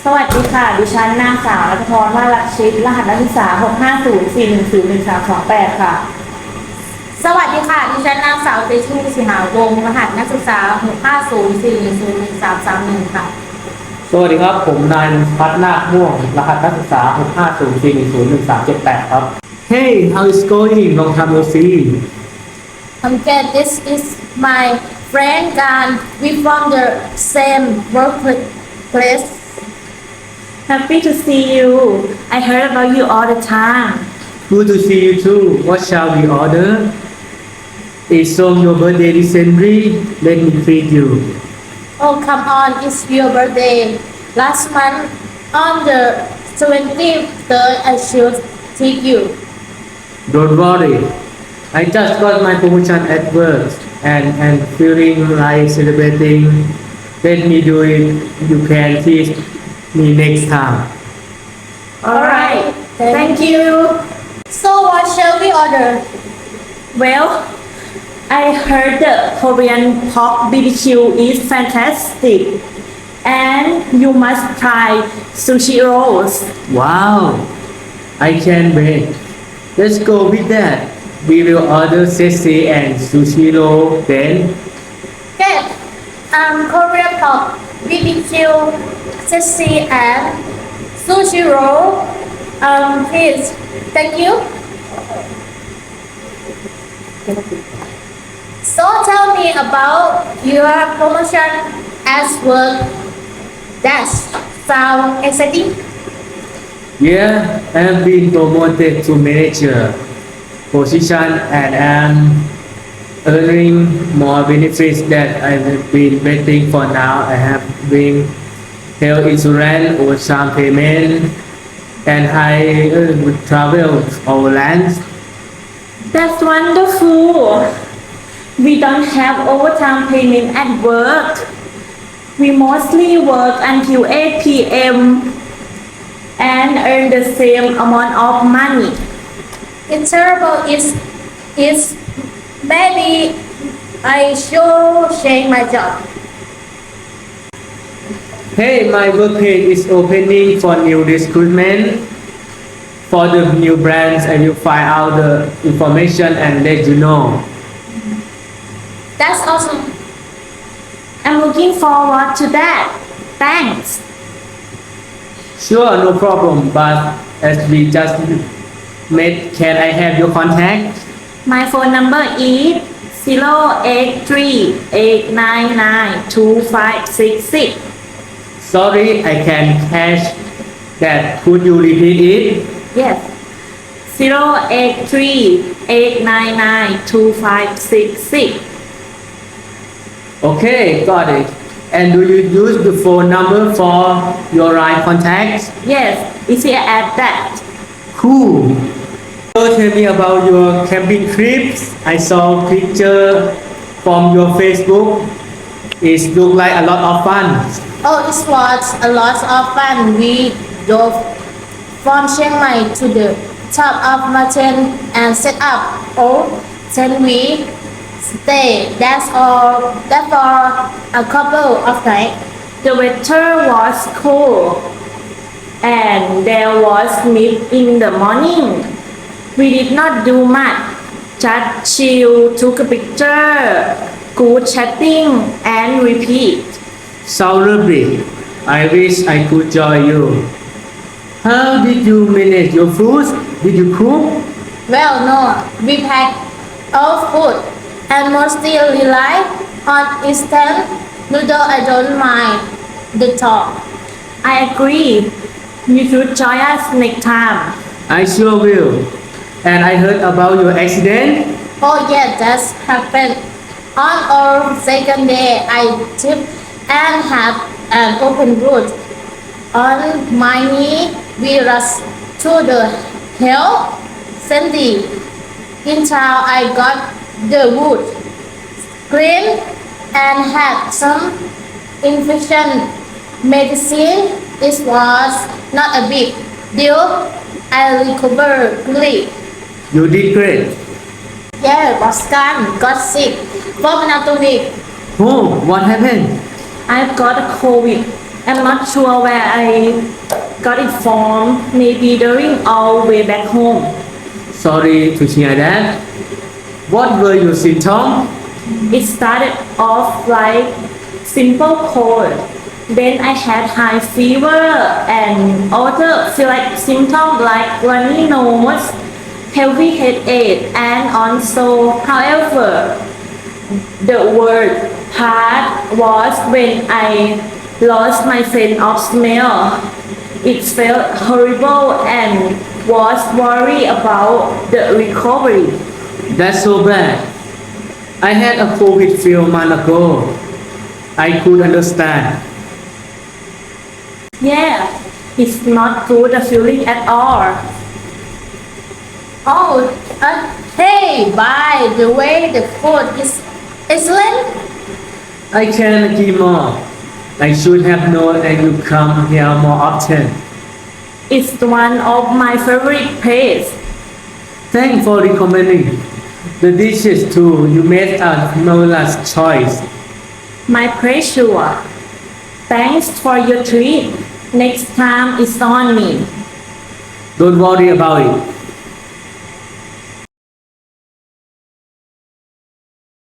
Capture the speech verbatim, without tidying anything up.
สวัสดีค่ะดิฉันนางสาวรัตพรว่ารักชิตรหัสนักศึกษาหก ห้า ศูนย์ สี่ หนึ่ง ศูนย์ หนึ่ง สาม สอง แปดค่ะสวัสดีค่ะดิฉันนางสาวเตชูสิหาวงศ์รหัสนักศึกษาหก ห้า ศูนย์ สี่ หนึ่ง ศูนย์ หนึ่ง สาม สาม หนึ่งค่ะสวัสดีครับผมนายพัฒนาคม่วงรหัสนักศึกษาหก ห้า ศูนย์ สี่ หนึ่ง ศูนย์ หนึ่ง สาม เจ็ด แปดครับ Hey how is going long time no see I'm good this is my friend Gan we from the same workplace Happy to see you I heard about you all the time Good to see you too What shall we order It's on your birthday recently Let me treat you Oh come on it's your birthday last month on the twenty-third I should treat you Don't worry I just got my promotion at work and and feeling like celebrating Let me do it You can teach me next time Alright thank you So what shall we order Well I heard the Korean pork B B Q is fantastic and you must try sushi rolls Wow I can't wait Let's go with that We will order sashimi and sushi roll then Get um Korean pork B B Q sashimi and sushi roll um please thank you So tell me about your promotion at work that sound exciting Yeah I've been promoted to manager position and am earning more benefits that I've been waiting for now I have been health insurance overtime payment and I uh, travel overland That's wonderful We don't have overtime payment at work. We mostly work until eight p m and earn the same amount of money. It's terrible it's it's maybe I should change my job Hey my workplace is opening for new recruitment For the new brands I will find out the information and let you know That's awesome I'm looking forward to that. Thanks. Sure no problem but as we just met can I have your contact My phone number is zero eight three eight nine nine two five six six. Sorry I can't catch that could you repeat it Yes. zero eight three eight nine nine two five six six. Okay got it and do you use the phone number for your line contacts Yes, easy as that. Cool. So tell me about your camping trips. I saw picture from your Facebook. It look like a lot of fun. Oh it was a lot of fun we drove from Chiang Mai to the top of mountain and set up all ten week stay that's all that for a couple of nights The weather was cool and there was mist in the morning. We did not do much, just chill, took a picture, good chatting and repeat. So lovely. I wish I could join you. How did you manage your food? Did you cook? Well no we pack all food and mostly rely on instant noodle I don't mind the top I agree. You should join us next time. I sure will. And I heard about your accident. Oh yeah, that's happened. On our second day, I tripped and had an open wound on my knee. We rushed to the health center. In town, I got the wound cleaned and had some infection medicine. It was not a big deal. I recovered quickly. You did great. Yeah, Boscan got sick for another week. Oh, what happened? I've got a COVID. I'm not sure where I got it from. Maybe during our way back home. Sorry to hear that. What were your symptoms? It started off like simple cold. Then I had high fever and other feel like symptoms like runny nose, heavy headache, and also, however, the worst part was when I lost my sense of smell. It felt horrible and was worried about the recovery. That's so bad. I had a COVID few months ago. I could understand. Yeah, it's not good a feeling at all. Oh, uh, hey, by the way, the food is excellent. I can't agree more. I should have known that you come here more often. It's one of my favorite places. Thanks for recommending the dishes too. You made a marvelous choice. My pleasure. Thanks for your treat. Next time it's on me. Don't worry about it.